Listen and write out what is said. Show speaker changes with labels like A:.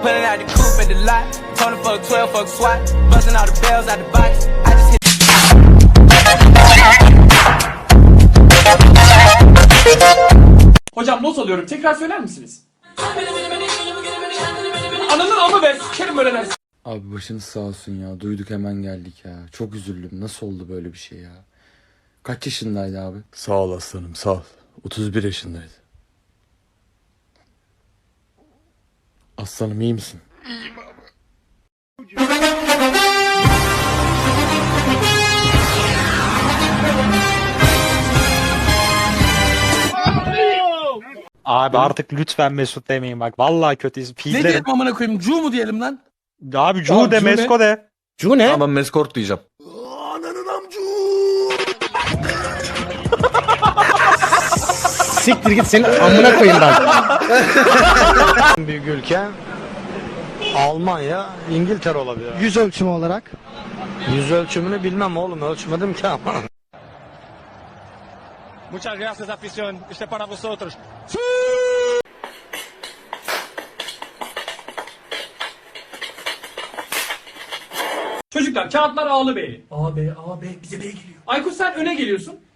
A: Pulling out the coupe at the lot. Tony fuck 12, fuck SWAT. Busting all the bells out the box. I just hit.
B: Hocam not alıyorum. Tekrar söyler misiniz? Ananın amı be. Sikerim böyle dersin.
C: Abi başınız sağ olsun ya. Duyduk hemen geldik ya. Çok üzüldüm. Nasıl oldu böyle bir şey ya? Kaç yaşındaydı abi?
D: Sağ ol aslanım sağ ol. 31 yaşındaydı.
C: Aslanım iyi misin?
E: Abi artık lütfen Mesut demeyin bak. Vallahi kötü
F: Ne
E: pizlerim.
F: diyelim amına koyayım? Cu mu diyelim lan?
E: Abi Cu de
B: Cu ne?
E: Mesko de.
F: Cu ne?
D: Tamam Meskort diyeceğim.
F: Siktir git senin amına koyayım ben.
G: Büyük ülke Almanya, İngiltere olabilir.
H: Yüz ölçümü olarak.
G: Yüz ölçümünü bilmem oğlum, ölçmedim ki ama.
I: Muchas gracias, afición. Este para vosotros.
B: Çocuklar kağıtlar A'lı B'li. A, B, A, B. Bize B geliyor. Aykut sen öne geliyorsun.